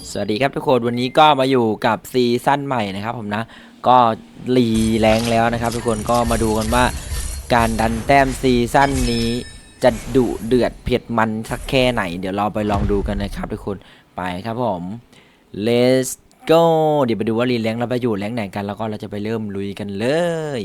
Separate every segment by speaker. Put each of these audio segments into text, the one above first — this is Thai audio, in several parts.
Speaker 1: สวัสดีครับทุกคนวันนี้ก็มาอยู่กับซีซั่นใหม่นะครับผมนะก็รีแรงแล้วนะครับทุกคนก็มาดูกันว่าการดันแต้มซีซั่นนี้จะดุเดือดเผ็ดมันสักแค่ไหนเดี๋ยวเราไปลองดูกันนะครับทุกคนไปครับผม let's go เดี๋ยวไปดูว่ารีแรงเราไปอยู่แรงไหนกันแล้วก็เราจะไปเริ่มลุยกันเลย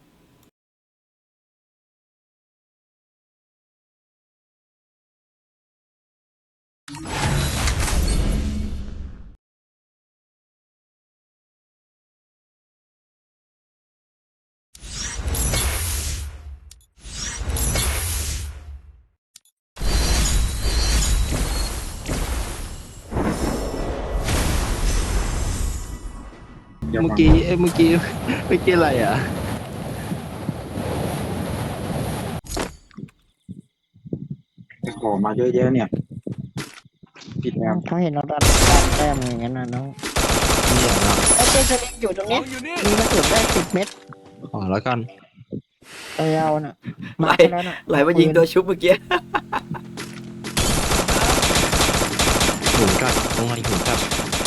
Speaker 2: เมื่อกี้เมื่อกี้อะไรอ่ะ
Speaker 3: ไปขอมาเยอะแยะเนี่ยผิดแล้ว
Speaker 4: เขาเห็นเราดันแต้มอย่างนั้นนะน้อง
Speaker 2: นี่เหรอ
Speaker 4: ไอ้เจสลิงอยู่ตรงนี้มีกระสุนได้10 เม็ด
Speaker 2: ขอแล้วกัน
Speaker 4: ไปเอาน่ะ
Speaker 1: ไหล
Speaker 4: มาแล้วน่ะ
Speaker 1: ไหลมายิงตัวชุบเมื่อกี้
Speaker 2: หุนกัดตรงไหนหุนกัด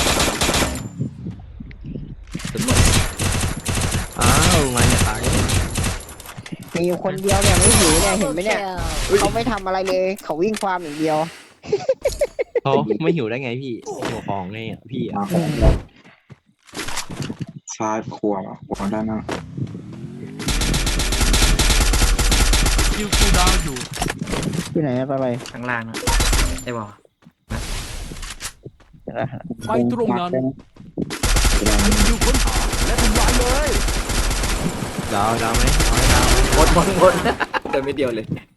Speaker 2: อ้าวไงเนี่ยตาย
Speaker 4: มีอยู่คนเดียวเนี่ยไม่หิวเนี่ยเห็นไหมเนี่ยเขาไม่ทำอะไรเลยเขาวิ่งความอย่างเดียว
Speaker 2: เขาไม่หิวได้ไงพี่หัวของไงอ่ะพี่
Speaker 3: มา
Speaker 2: อ่ะ
Speaker 3: ของแล้วซ้ายขวาด้านหน้า
Speaker 5: คิวคูลดาวน์อยู่
Speaker 4: ที่ไหนอะไป
Speaker 1: ข้างล่างนะได้บอก
Speaker 5: ไปตรงนั้น
Speaker 3: แสดง
Speaker 5: คิวค้นหาและทำลายเลย
Speaker 2: ดาวไหมเอาให้ดาว
Speaker 1: หมดเดินไม่เดียวเลย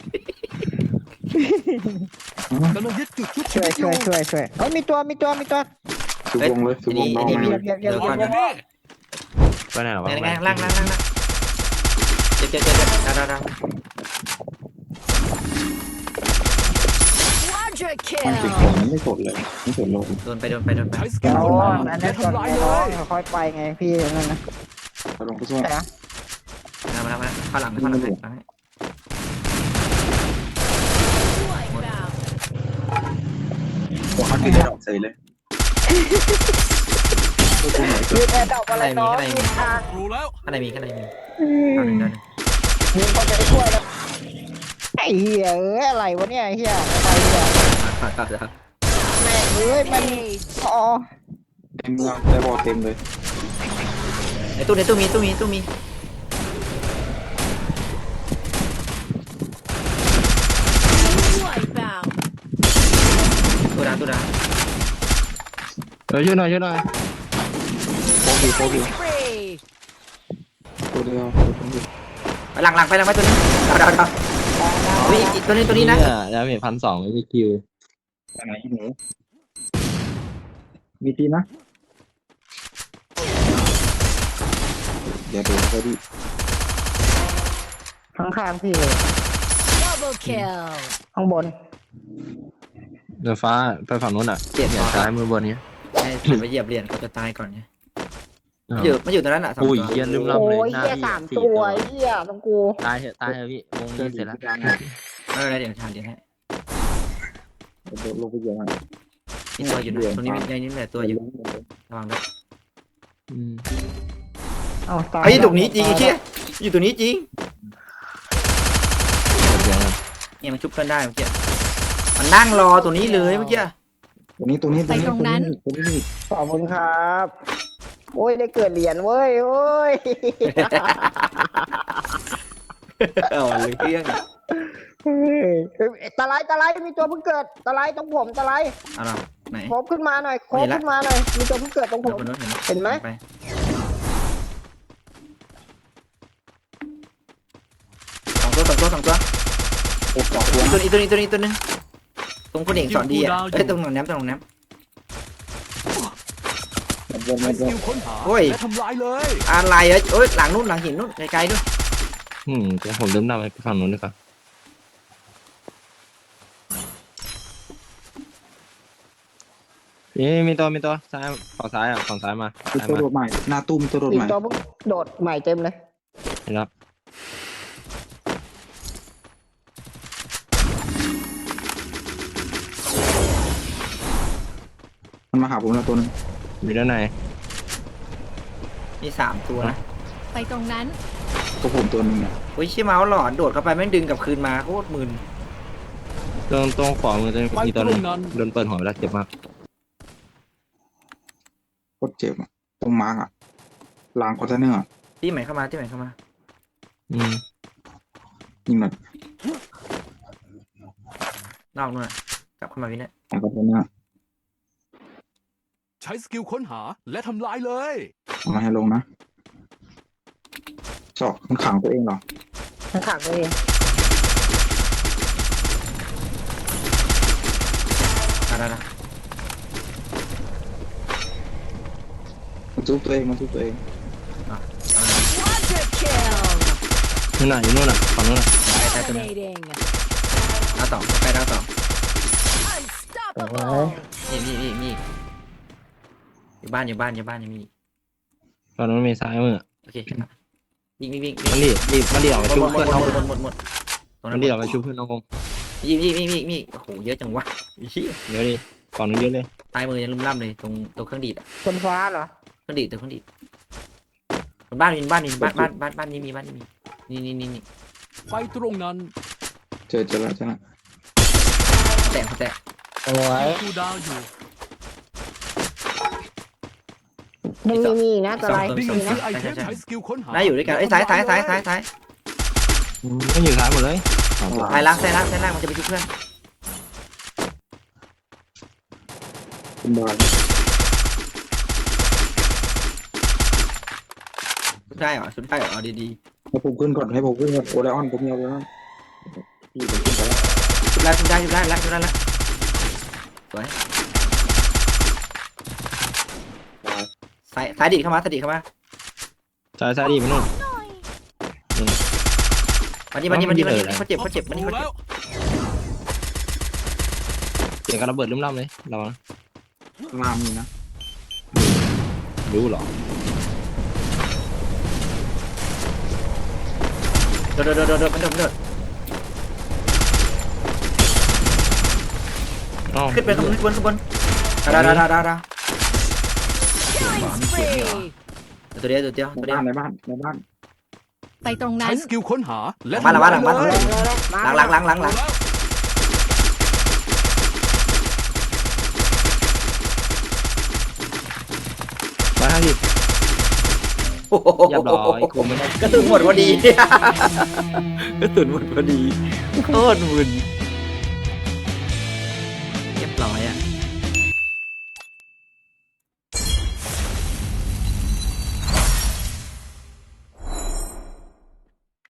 Speaker 5: กำลังยึดจุดชุบ
Speaker 4: ช่วยเอ้ยมีตัว
Speaker 3: สุวงเลยสุวงน้อง
Speaker 1: มี
Speaker 3: มา
Speaker 4: เดี๋ยว
Speaker 1: เดี๋ยวก่อน
Speaker 5: อยู่นี่
Speaker 2: ไปไหนหรอวะ
Speaker 1: ล่างเจ็บดาว
Speaker 6: Quadra
Speaker 3: มันติด
Speaker 6: kill.
Speaker 3: ของมันไม่สดเลยไม่สดโลก
Speaker 1: โดนไป
Speaker 5: ใช้สกิ
Speaker 4: เดี๋
Speaker 5: ล
Speaker 4: ยว
Speaker 5: ค้นหา
Speaker 4: อัน
Speaker 5: และ
Speaker 4: นั้นก่อน
Speaker 5: ทำลาย
Speaker 4: เดี๋
Speaker 5: เลย
Speaker 4: ยวค่อยไปไงพี่นั่นนะ
Speaker 3: ไปลงไปช่วย
Speaker 4: แต่
Speaker 1: มาข้างหลังให้
Speaker 6: Wipe out.
Speaker 3: ตัวเขาติดได้ดอกใส่เลย
Speaker 4: ยืนแอร์ดอกอะไรน้องยืนทาง
Speaker 5: รู้แล้ว
Speaker 1: ข้างในมีเอาหนึ่ง
Speaker 4: ยืนคนจะไปช่วยแล้วไอ้เหี้ยอะไรวะเนี่ยไอ้เหี้ยไปเนี่ย
Speaker 1: ครับ
Speaker 4: แม่งมันอ๋อ
Speaker 3: เต็มเมืองได้บอลเต็มเลย
Speaker 1: ในตู้มี
Speaker 6: Wipe out.
Speaker 1: ตู้ดาว
Speaker 2: ช่วยหน่อย
Speaker 3: โคบี
Speaker 6: Spree.
Speaker 3: ตัวเดียว
Speaker 1: ไปหลังไปตัวนี้ดาววิ่งตัวนี้นะ
Speaker 2: แล้วมี1,200ไม่มีคิว
Speaker 3: ไปไหนหนูมีทีนะเดี๋ยวดูเขาดิ
Speaker 4: ข้างๆพี่เลย
Speaker 6: Double kill.
Speaker 4: ข้างบน
Speaker 2: เดือฟ้าไปฝั่งนู้นอ่ะเนี่ยซ้ายมือบนนี้
Speaker 1: ให้ไปเหยียบเหรียญเขาจะตายก่อนไงมันอยู่ตรงนั้นอ่ะ2
Speaker 2: อุ้ย
Speaker 1: ตัว
Speaker 2: เฮียลืม
Speaker 4: โอ้
Speaker 2: ลำเลย
Speaker 4: ย
Speaker 2: หน้า
Speaker 4: เหี้ย
Speaker 2: พี่
Speaker 4: 3 ตัวเหี้ยต้องกู
Speaker 2: ตายเถอะพี่วงนี้เสร็จแล้ว
Speaker 1: ไม่เป็นไรเดี๋ยวทานเดี๋ยวให้
Speaker 3: ลงไปเยอะมาก
Speaker 1: มีตัวอยู่ตรงนี้ในนี้แหละตัวอยู่ระวังด้วย
Speaker 4: เอาตาย
Speaker 1: ไอ้ตรงนี้จริงไอ้เชี่ยอยู่ตรงนี้จริงเนี่ยมันชุบเพื่อนได้เมื่อกี้มันนั่งรอตัวนี้เลยเมื่อกี้
Speaker 3: ตัวนี้
Speaker 6: ไปตรงนั้น
Speaker 3: ตัวนี้
Speaker 4: ขอบคุณครับ โอ้ยได้เกิดเหรียญเว้ยโอ้ย
Speaker 1: เอาเลยเรื่อง
Speaker 4: ตะไลมีตัวเพิ่งเกิดตะไลตรงผมตะไล
Speaker 1: เอาหรอไหน
Speaker 4: โคบขึ้นมาหน่อยโคบขึ้นมาหน่อยมีตัวเพิ่งเกิดตรงผม
Speaker 1: บนนู้น
Speaker 4: เห็นไหม
Speaker 1: ไปสองตัว
Speaker 3: โอ้สองตัว
Speaker 1: อีกตัวนึงตรงคนเอกสอนดีอ่ะเอ้ยตรงหนองน้ำ
Speaker 3: บน
Speaker 5: ใช้สกิลค้นหาและทำลายเลย
Speaker 1: อะไรอ่ะโอ้ยหลังนู้นหลังหินนู้นไกลๆด้วย
Speaker 2: เดี๋ยวผมลืมนำไปฝั่งนู้นดีกว่ามีตัวซ้ายฝั่งซ้ายอ่ะฝั่งซ้ายมา
Speaker 3: มีตัวโดดใหม่หน้าตู้มีตัวโดด
Speaker 4: มี
Speaker 3: ใหม่
Speaker 4: ตัวเพิ่งโดดใหม่เต็มเลย
Speaker 2: เห็นแล้ว
Speaker 3: มันมาหาผมแล้วตัวนึง
Speaker 2: อยู่ด้านใน
Speaker 1: มี3 ตัวนะ
Speaker 6: ไปตรงนั้น
Speaker 3: ตัวผมตัวนึงเนี่ย
Speaker 1: อุ้ยเชี่ยเมาส์หลอนโดดเข้าไปแม่งดึงกลับคืนมาโคตรมึน
Speaker 2: ตรงขวามือจะมีตัวนึงโดนเปิดหัวไปแล้วเจ็บมาก
Speaker 3: โคตรเจ็บอะตรงมาร์กอะลางคอนเทนเนอร์อะ
Speaker 1: ที่ใหม่เข้ามาที่ใหม่เข้ามา
Speaker 2: อืม
Speaker 3: ยิงหน่อย
Speaker 1: นอกนู่นน่ะกลับเข้ามาวินเนี่ย
Speaker 3: ลางคอนเทนเนอร์
Speaker 5: ใช้สกิลค้นหาและทำลายเลย
Speaker 3: เอามาให้ลงนะชอบมันขังตัวเองเหรอ
Speaker 4: ทั้งขังเลย
Speaker 1: ได้
Speaker 3: มันซุบตัวเองมันซุบตัวเอง
Speaker 6: Quadra kill.
Speaker 2: นู่นน่ะอยู่นู่นน่ะฝั่งนู่นน่ะ
Speaker 1: ได้ตัวนึง
Speaker 6: Dominating.
Speaker 1: ดาว2ไปดาว2
Speaker 6: Unstoppable.
Speaker 1: นี่อยู่บ้านยังมี
Speaker 2: ฝั่งนู้นมีซ้ายมือ
Speaker 1: โอเควิ่ง
Speaker 2: มันดีออกไปชุบเพื่อนน้อง
Speaker 1: หมดตรง
Speaker 2: มั
Speaker 1: นั้น น
Speaker 2: ดีออกไปชุบเพื่อนน้อง
Speaker 1: วิ่งโอ้โหเยอะจังวะเหี้ย
Speaker 2: เดี๋ยวดิฝั่งนู้นเยอะเลย
Speaker 1: ตายมือยังลุ่มล่ำเลยตรงตัวเครื่องดีด
Speaker 4: คนฟ้าเหรอ
Speaker 1: เครื่องดีดตัวเครื่องดีดบ้านนี้มีนี่
Speaker 5: ไปตรงนั้น
Speaker 3: เจอแล้ว
Speaker 1: แตก
Speaker 4: โอ้ย
Speaker 5: คูดาวอยู่
Speaker 4: มีนะตัวอะไร
Speaker 5: ดิ่ง
Speaker 4: มีนะ
Speaker 5: ซื้อไอเทมใช้สกิลค้นหา
Speaker 1: ได้อยู่ด้วยกันไอ้ซ้าย
Speaker 2: มันอยู่ซ้ายหมดเลย
Speaker 1: ซ้ายล่างมันจะไปช่วยเพื่อน
Speaker 3: คุณบอย
Speaker 1: ชุดได้เหรอเอาดี
Speaker 3: ให้ผมขึ้นก่อนโอไลออนผมมีโอไลออนพี่ผมขึ้นไปแล้ว
Speaker 1: ๆชุดได้แล้วสวยซ้ายดีเข้ามา
Speaker 2: ซ้ายดีไปนู่น
Speaker 1: มาดิเขาเจ็บมาดิ
Speaker 5: รู้แล้ว
Speaker 2: เสียงการระเบิดลุ่มล่ำเลยระวัง
Speaker 3: ลามมีนะ
Speaker 2: รู้เหรอ
Speaker 1: โดดมันโดดขึ้นไปข้างบนดาว
Speaker 6: Killing spree.
Speaker 1: ตัวเดียว
Speaker 3: ในบ้าน
Speaker 6: ไปตรงนั้
Speaker 5: ใช้
Speaker 6: น
Speaker 5: สกิลค้นหาและ
Speaker 1: บ้านหลัง
Speaker 5: ทำลายเลย
Speaker 1: หลัง
Speaker 5: รู้แล้ว
Speaker 2: 150เรียบร้อยกูไม่ได้
Speaker 1: กระสุนหมดพอดีโคตรมึน